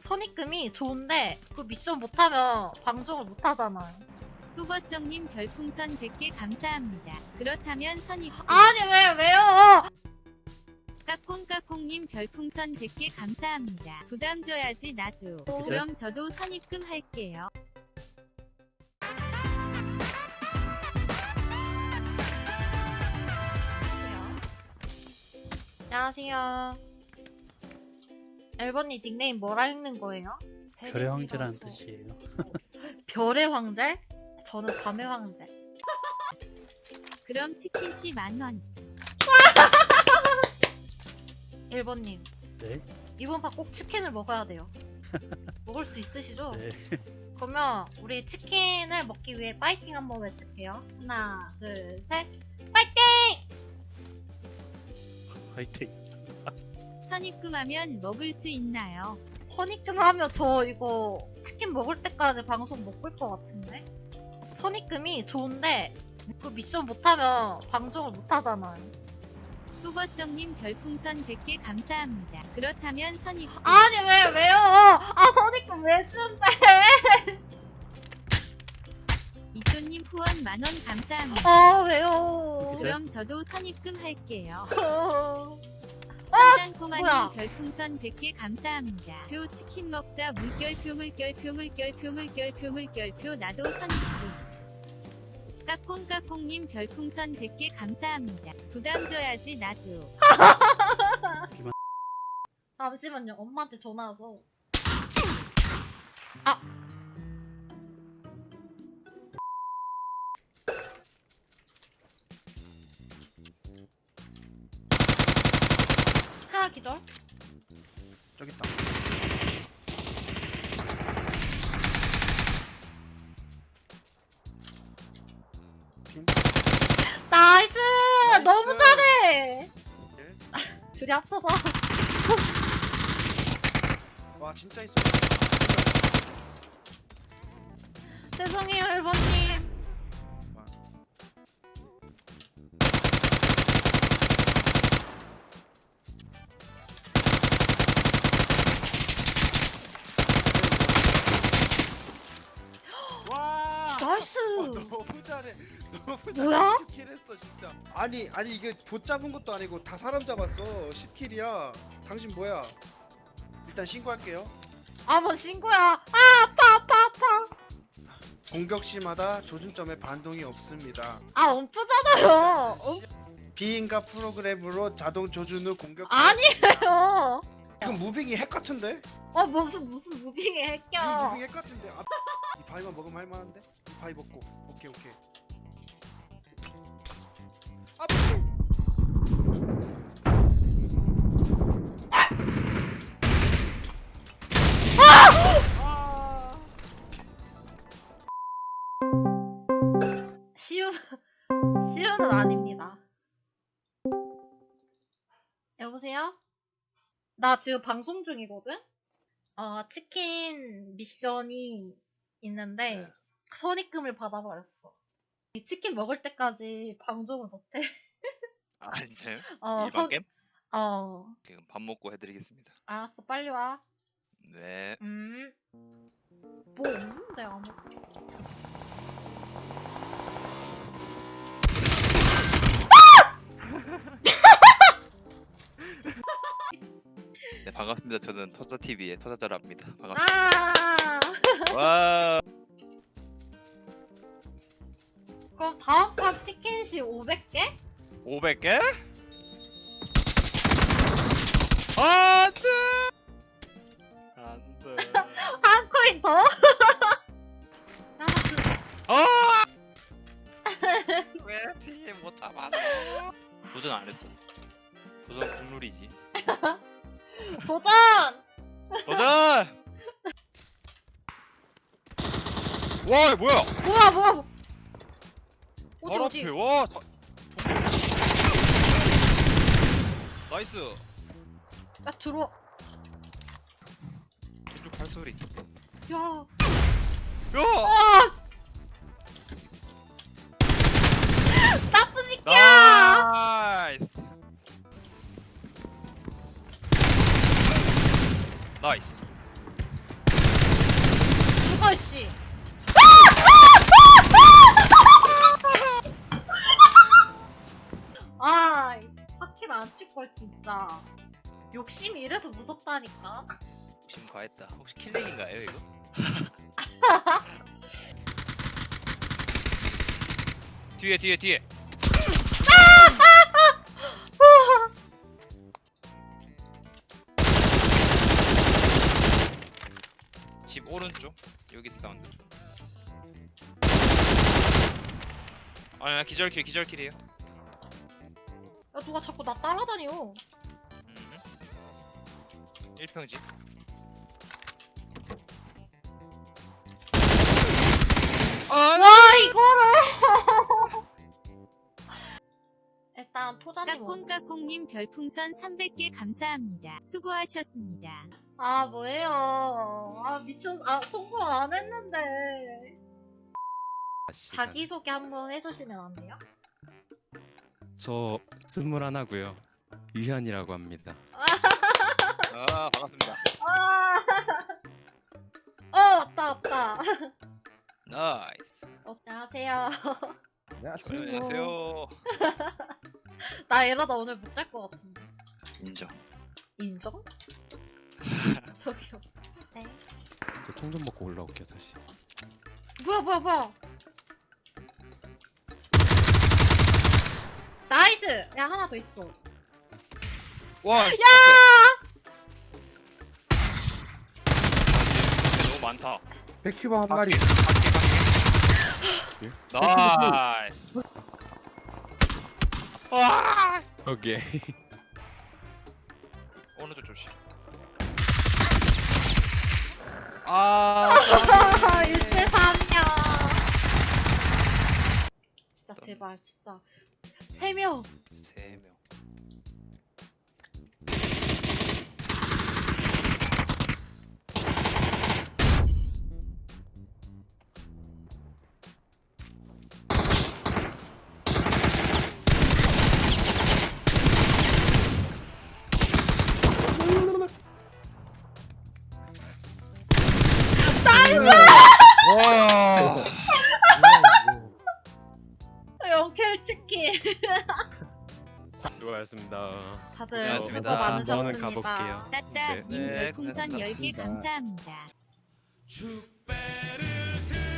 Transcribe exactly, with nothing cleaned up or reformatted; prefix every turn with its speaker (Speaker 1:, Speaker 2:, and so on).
Speaker 1: 선입금이 좋은데 그 미션 못하면 방송을 못하잖아요.
Speaker 2: 뚜버정님 별풍선 백 개 감사합니다. 그렇다면 선입금.
Speaker 1: 아니 왜 왜요?
Speaker 2: 까꿍까꿍님 별풍선 백 개 감사합니다. 부담 줘야지 나도. 그럼 저도 선입금 할게요.
Speaker 1: 안녕하세요. 앨번님 닉네임 뭐라 읽는 거예요?
Speaker 3: 별의 황제라는 뜻이에요.
Speaker 1: 별의 황제? 저는 밤의 황제.
Speaker 2: 그럼 치킨씨 만원.
Speaker 1: 앨번님
Speaker 3: 네.
Speaker 1: 이번 판 꼭 치킨을 먹어야 돼요. 먹을 수 있으시죠?
Speaker 3: 네.
Speaker 1: 그러면 우리 치킨을 먹기 위해 파이팅 한번 외칠게요. 하나, 둘, 셋, 파이팅!
Speaker 3: 화이팅.
Speaker 2: 선입금하면 먹을 수 있나요?
Speaker 1: 선입금 하면 저 이거 치킨 먹을 때까지 방송 못 볼 것 같은데? 선입금이 좋은데 그 미션 못하면 방송을 못하잖아요.
Speaker 2: 뚜버정님 별풍선 백 개 감사합니다. 그렇다면 선입금.
Speaker 1: 아니 왜 왜요? 아 선입금 왜 준대?
Speaker 2: 이조님 후원 만원 감사합니다.
Speaker 1: 아 왜요?
Speaker 3: 그죠?
Speaker 2: 그럼 저도 선입금 할게요.
Speaker 1: 어.
Speaker 2: 성장꼬마님
Speaker 1: 뭐야?
Speaker 2: 별풍선 백 개 감사합니다. 표 치킨 먹자 물결표 물결표 물결표 물결표 물결표 나도 선입금. 까꿍까꿍님 별풍선 백 개 감사합니다. 부담 줘야지 나도.
Speaker 1: 잠시만요. 엄마한테 전화 와서. 아. 하나 기절.
Speaker 4: 저기 있다. 핀.
Speaker 1: 나이스!
Speaker 4: 나이스!
Speaker 1: 너무 잘해!
Speaker 4: 네.
Speaker 1: 둘이 합쳐서.
Speaker 4: 와 진짜 있어.
Speaker 1: 죄송해요, 일본님.
Speaker 4: 와.
Speaker 1: 나이스!
Speaker 4: 와, 너무 잘해. 너무 잘해.
Speaker 1: 뭐야?
Speaker 4: 십 킬 했어 진짜. 아니 아니 이게 봇 잡은 것도 아니고 다 사람 잡았어. 십 킬이야. 당신 뭐야? 일단 신고할게요.
Speaker 1: 아, 뭐 신고야. 아, 아파, 아파, 아파.
Speaker 4: 공격 시마다 조준점에 반동이 없습니다.
Speaker 1: 아, 엄프잖아요. 엄...
Speaker 4: 비인가 프로그램으로 자동 조준 후 공격.
Speaker 1: 아니에요.
Speaker 4: 이건 무빙이 핵 같은데?
Speaker 1: 어, 무슨, 무슨 무빙에
Speaker 4: 이거
Speaker 1: 핵겨.
Speaker 4: 무빙 핵 같은데? 아, 이 바위만 먹으면 할만한데? 이 바위 먹고. 오케이 오케이. 아, 아!
Speaker 1: 시우, 시우는 아닙니다. 여보세요? 나 지금 방송 중이거든? 어, 치킨 미션이 있는데,
Speaker 4: 네.
Speaker 1: 선입금을 받아버렸어. 이 치킨 먹을 때까지 방송을 못해.
Speaker 5: 아 진짜요?
Speaker 1: 어,
Speaker 5: 일반
Speaker 1: 선-
Speaker 5: 게임?
Speaker 1: 어,
Speaker 5: 그럼 밥 먹고 해드리겠습니다.
Speaker 1: 알았어, 빨리 와.
Speaker 5: 네.
Speaker 1: 음. 뭐 없는데, 아무.
Speaker 5: 네 반갑습니다. 저는 터자티비의 터자자랍니다. 반갑습니다.
Speaker 1: 아!
Speaker 5: 와.
Speaker 1: 그럼 다음 판 치킨시 오백 개?
Speaker 5: 오백 개? 안돼. 안돼.
Speaker 1: 한 코인 더? 야, 그,
Speaker 5: 아! 왜 뒤에 못 잡아줘? 도전 안 했어. 도전 국룰이지.
Speaker 1: 도전!
Speaker 5: 도전! 와 이거 뭐야?
Speaker 1: 뭐야, 뭐야, 뭐. 어디,
Speaker 5: 바로
Speaker 1: 어디?
Speaker 5: 앞에 와. 다... 나이스.
Speaker 1: 야, 들어와.
Speaker 5: 왼쪽 발소리.
Speaker 1: 야.
Speaker 5: 야!
Speaker 1: 아! 나쁜 새끼야!
Speaker 5: 나이스. 나이스.
Speaker 1: 뭐야 씨. 아, 파킬 안 칠 걸 진짜. 욕심이 이래서 무섭다니까.
Speaker 5: 지금 과했다. 혹시 킬렉인가요 이거? 뒤에 뒤에 뒤에. 집 오른쪽 여기 사운드. 아니 기절킬 기절킬이에요.
Speaker 1: 야 누가 자꾸 나 따라다녀.
Speaker 5: 음. 일평집. 아!
Speaker 1: 와 이거를. 일단 토자님. 오고.
Speaker 2: 까꿍까꿍님 별풍선 삼백 개 감사합니다. 수고하셨습니다.
Speaker 1: 아 뭐예요? 아 미션 아 성공 안 했는데. 자기 소개 한번 해주시면 안 돼요?
Speaker 6: 저 스물하나고요. 유현이라고 합니다.
Speaker 5: 아 반갑습니다.
Speaker 1: 아. 어 맞다 맞다.
Speaker 5: 나이스.
Speaker 1: 어, 안녕하세요.
Speaker 5: 안녕하세요.
Speaker 1: 나 이러다 오늘 못 잘 것 같은데.
Speaker 5: 인정.
Speaker 1: 인정? 저기요. 네.
Speaker 6: 저 총 좀 먹고 올라올게요 다시.
Speaker 1: 뭐야 뭐야 뭐야. 나이스. 야 하나 더 있어.
Speaker 5: 와. 야. 너무 많다.
Speaker 7: 백십오 한 마리.
Speaker 6: 예?
Speaker 5: 나이스. 와.
Speaker 6: 오케이.
Speaker 5: 오른쪽 조심. 아.
Speaker 1: 일 대 삼이야. 진짜 제발 진짜. 세 명.
Speaker 5: 세 명.
Speaker 7: 와.
Speaker 1: 영켈 치킨.
Speaker 6: 수고하셨습니다.
Speaker 1: 다들 수고
Speaker 5: 고생하셨습니다.
Speaker 1: 많으셨습니다.
Speaker 6: 저는 가볼게요.
Speaker 2: 따따님
Speaker 5: 네,
Speaker 2: 별풍선 열 개
Speaker 7: 고생하셨습니다.
Speaker 2: 감사합니다.
Speaker 8: 축배를